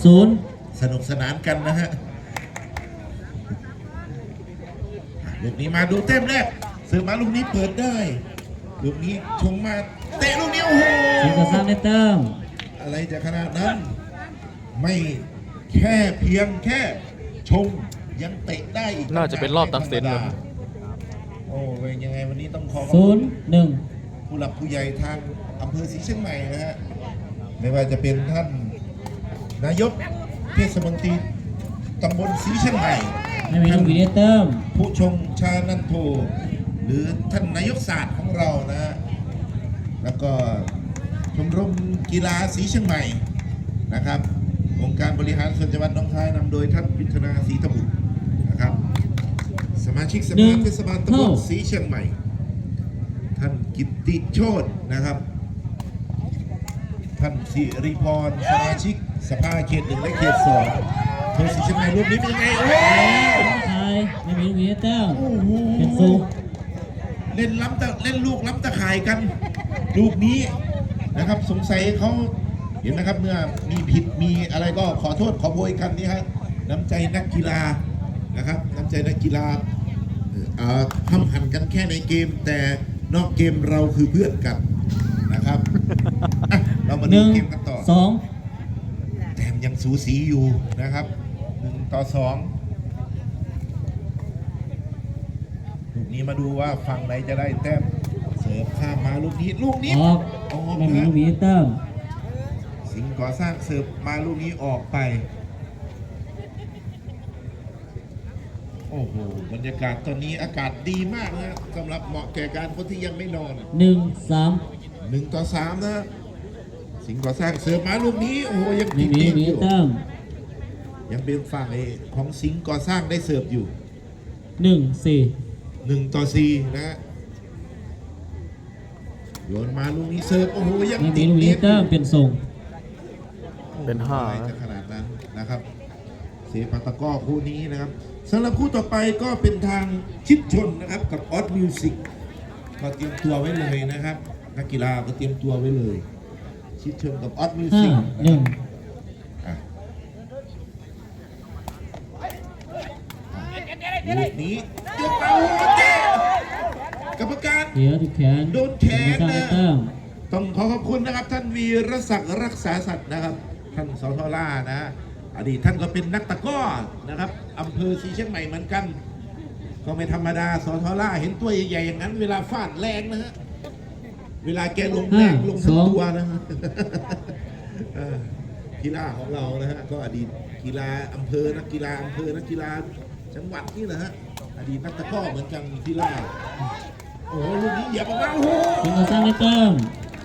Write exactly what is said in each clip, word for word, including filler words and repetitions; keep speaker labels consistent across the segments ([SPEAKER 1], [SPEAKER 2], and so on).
[SPEAKER 1] ศูนย์
[SPEAKER 2] สนุกสนานกันนะฮะลูกนี้มาดูเต็มแรกเสือมาลูกนี้เปิดได้ลูกนี้ชงมาเตะลูกนี้โอ้โห
[SPEAKER 1] สิงห์ก่อสร้างได้แต้ม
[SPEAKER 2] อะไรจะขนาดนั้นไม่แค่เพียงแค่ชงยังเตะได้อีก
[SPEAKER 3] น่าจะเป็นรอบตัดสินเลย
[SPEAKER 2] โอ้เป็นยังไงวันนี้ต้องขอขอบ
[SPEAKER 1] ศู
[SPEAKER 2] คุ
[SPEAKER 1] น
[SPEAKER 2] ณ
[SPEAKER 1] ย์หนึ่ง
[SPEAKER 2] ผู้หลักผู้ใหญ่ทางอำเภอศรีเชียงใหม่นะฮะไม่ว่าจะเป็นท่านนายกเทศมนตรีตำบลศรีเชียงใหม่
[SPEAKER 1] ไม่มีลูกหวีได้แต้ม
[SPEAKER 2] ผู้ชงชานันโทหรือท่านนายกศาสตร์ของเรานะฮะแล้วก็ชมรมกีฬาศรีเชียงใหม่นะครับองค์การบริหารส่วนจังหวัดหนองคายนำโดยท่านยุทธนาศรีตบุตรนะครับสมาชิกสภาเทศบาลตำบลศรีเชียงใหม่ท่านกิตติโชตินะครับท่านสิริพรสมาชิกสภาเขตหนึ่งและเขตสองเธอศรีเชียงใหม่รูปนี้เป็นยังไงโอ้
[SPEAKER 1] ไทยไม่มีลูกหวีได้แต้ม
[SPEAKER 2] โห
[SPEAKER 1] เป็นศูนย์
[SPEAKER 2] เล่นล้ำตะเล่นลูกล้ำตะข่ายกันลูกนี้นะครับสงสัยเขาเห็นนะครับเมื่อมีผิดมีอะไรก็ขอโทษขอโพยกันนี่ฮะน้ำใจนักกีฬานะครับน้ำใจนักกีฬาห้ำหันกันแค่ในเกมแต่นอกเกมเราคือเพื่อนกันนะครับเรามาดูเกมกันต่อ
[SPEAKER 1] สอง
[SPEAKER 2] แต้มยังสูสีอยู่นะครับหนึ่งต่อสองลูกนี้มาดูว่าฝั่งไหนจะได้แต้มเสิร์ฟข้ามมาลูกนี้ลูกนี้
[SPEAKER 1] ออกไม่มีลูกหวีได้แต้ม
[SPEAKER 2] สิงห์ก่อสร้างเสิร์ฟมาลูกนี้ออกไปโอ้โหบรรยากาศตอนนี้อากาศดีมากนะสำหรับเหมาะแก่การคนที่ยังไม่นอน
[SPEAKER 1] หนึ่งสาม
[SPEAKER 2] หนึ่งต่อสามนะสิงห์ก่อสร้างเสิร์ฟมาลูกนี้โอ้โหยัง
[SPEAKER 1] ไม่มีลูกหวีได้แต้ม
[SPEAKER 2] ยังเป็นฝั่งของสิงห์ก่อสร้างได้เสิร์ฟอยู่
[SPEAKER 1] หนึ่งสี่
[SPEAKER 2] หนึ่งต่อสี่นะโยนมาลูกนี้เสิร์ฟโอ้โหยัง
[SPEAKER 1] ไม่มีลูกหวีได้แต้มเป็นส่ง
[SPEAKER 3] เป็นห้า
[SPEAKER 2] จะขนาดนั้นนะครับเสียปาตะก้อคู่นี้นะครับสำหรับคู่ต่อไปก็เป็นทางชิดชนนะครับกับออสมิวสิกก็เตรียมตัวไว้เลยนะครับนักกีฬาก็เตรียมตัวไว้เลยชิดชนกับออสมิวสิก
[SPEAKER 1] หนึ่ง
[SPEAKER 2] ลูกนี้ยกเอาเจ๊กรรมการ
[SPEAKER 1] เดี๋ยวถูกแขน
[SPEAKER 2] โดนแขนนะต้องขอขอบคุณนะครับท่านวีรศักดิ์รักษาสัตว์นะครับท่านสทล่านะอดีตท่านก็เป็นนักตะก้อนะครับอำเภอศรีเชียงใหม่เหมือนกันก็ไม่ธรรมดาสทล่าเห็นตัวใหญ่ๆอย่างนั้นเวลาฟาดแรงนะฮะเวลาแกลงแรงลงทั้งตัวนะฮะกีฬาของเรานะฮะก็อดีตกีฬาอำเภอนักกีฬาอำเภอนักกีฬาจังหวัดนี่แหละฮะอดีตนักตะก้อเหมือนกันกีฬาโอ้โหลูกนี้เหยียบออกมาโอ้โห
[SPEAKER 1] สิงห์ก่อสร้างได้แต้ม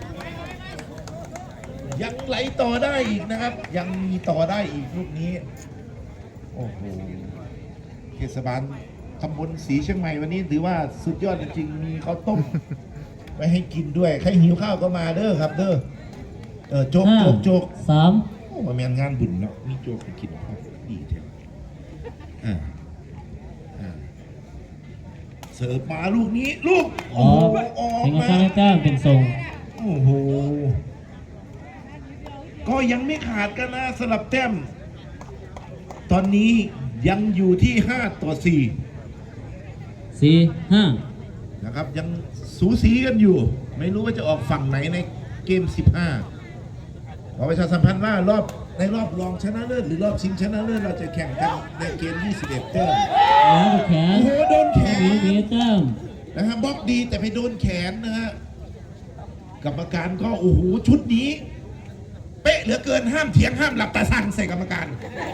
[SPEAKER 2] ยังไหลต่อได้อีกนะครับยังมีต่อได้อีกลูกนี้โอ้โหเทศบาลตำบลศรีเชียงใหม่วันนี้ถือว่าสุดยอดจริงๆมีข้าวต้มไว้ให้กินด้วยใครหิวข้าวก็มาเด้อครับเด้อเออโจ๊กโจ๊กโจ๊ก
[SPEAKER 1] สาม
[SPEAKER 2] โอ้มาแมนงานบุญเนาะมีโจ๊กไปกินครับดีเถอะอ่าอ่าเสิร์ฟมาลูกนี้ลูก
[SPEAKER 1] ออกสิงห์ก่อสร้างได้แต้มเป็นส่ง
[SPEAKER 2] โอ้โหก็ยังไม่ขาดกันนะสลับแต้มตอนนี้ยังอยู่ที่ห้าต่อสี่
[SPEAKER 1] สี่ห้า
[SPEAKER 2] นะครับยังสูสีกันอยู่ไม่รู้ว่าจะออกฝั่งไหนในเกมสิบห้าขอประชาสัมพันธ์ว่ารอบในรอบรองชนะเลิศหรือรอบชิงชนะเลิศเราจะแข่งกันในเกมยี่สิบเอ็ดแต้ม
[SPEAKER 1] แล้วแขน
[SPEAKER 2] โอ้โหโดนแขน
[SPEAKER 1] แต้ม
[SPEAKER 2] นะฮะบล็อกดีแต่ไปโดนแขนนะฮะกรรมการก็โอ้โหชุดนี้เป๊ะเหลือเกินห้ามเถียงห้ามหลับตาสั่งใส่กรรมการ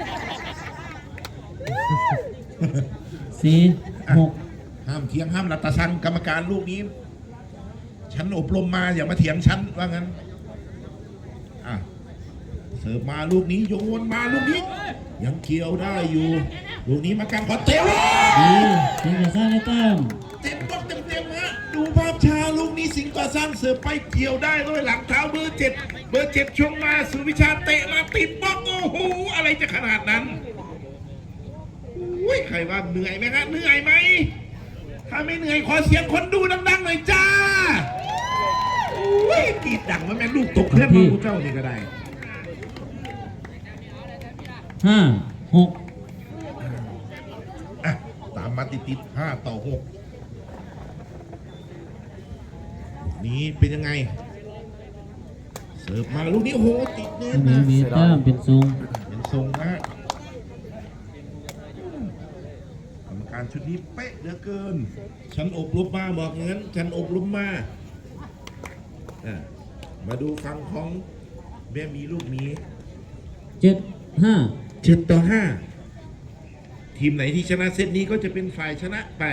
[SPEAKER 1] สี่หก
[SPEAKER 2] ห้ามเถียงห้ามหลับตาสั่งกรรมการลูกนี้ฉันอบรมมาอย่ามาเถียงฉันว่างั้นอ่ะเสิร์ฟมาลูกนี้โยนมาลูกนี้ยังเกี่ยวได้อยู่ลูกนี้มาการขอเตะ
[SPEAKER 1] ดีสิงห์ก่อสร้างได้แต้ม
[SPEAKER 2] เต็มบล็อกเต็มเต็มฮะดูภาพช้าลูกนี้สิงห์ก่อสร้างเสิร์ฟไปเกี่ยวได้ด้วยหลังเท้าเบอร์เจ็ดเบอร์เจ็ดช่วงมาสุวิชาเตะมาติดบล็อกโอ้โหอะไรจะขนาดนั้นอุ้ยใครว่าเหนื่อยไหมฮะเหนื่อยไหมถ้าไม่เหนื่อยขอเสียงคนดูดังๆหน่อยจ้าอุ้ยกีดดังมันแม่ลูกตกเพื่อนมาผู้เจ้านี่ก็ได้
[SPEAKER 1] ห้าหก
[SPEAKER 2] อ่ะตามมาติดติดห้าต่อหกนี้เป็นยังไง เสิร์ฟมาลูกนี้โอ้โหติดเน็ต
[SPEAKER 1] มี
[SPEAKER 2] นะ
[SPEAKER 1] มีแต้มเป็นทรง
[SPEAKER 2] เป็นทรงนะกรรมการชุดนี้เป๊ะเหลือเกิน ฉันอบรมมาบอกอย่างนั้น ฉันอบรมมาอ่ะมาดูฟังของแม่มีลูกนี้
[SPEAKER 1] เจ็ดห้า
[SPEAKER 2] เจ็ดต่อห้าทีมไหนที่ชนะเซตนี้ก็จะเป็นฝ่ายชนะไป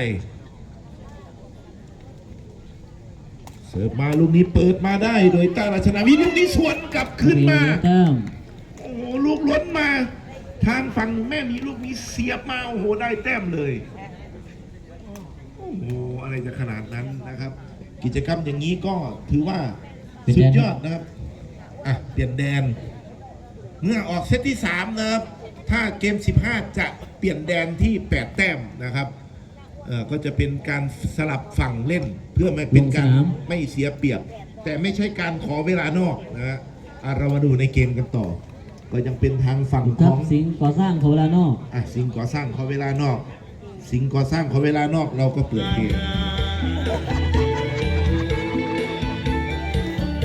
[SPEAKER 2] เสิร์ฟมาลูกนี้เปิดมาได้โดยตาราชนาวิลูกนี้สวนกลับขึ้นมา
[SPEAKER 1] แต้ม
[SPEAKER 2] โอ้โหลูกล้นมา ทางฝั่งแม่มีลูกนี้เสียบมาโอ้โหได้แต้มเลย โอ้โหอะไรจะขนาดนั้นนะครับ กิจกรรมอย่างนี้ก็ถือว่าสุดยอดนะครับอ่ะเปลี่ยนแดน เมื่อออกเซตที่สามนะครับ ถ้าเกมสิบห้าจะเปลี่ยนแดนที่แปดแต้มนะครับเอ่อก็จะเป็นการสลับฝั่งเล่น เพื่อไม่เป็นการไม่เสียเปรียบ แต่ไม่ใช่การขอเวลานอกนะฮะอ่ะเรามาดูในเกมกันต่อ ก็ยังเป็นทางฝั่งข
[SPEAKER 1] ทั
[SPEAKER 2] อบ ง
[SPEAKER 1] สิงห์ก่อสร้างโคราชนอก
[SPEAKER 2] อ่ะสิงห์ก่อสร้างขอเวลานอก สิงห์ก่อสร้างขอเวลานอกเราก็เปิดเกม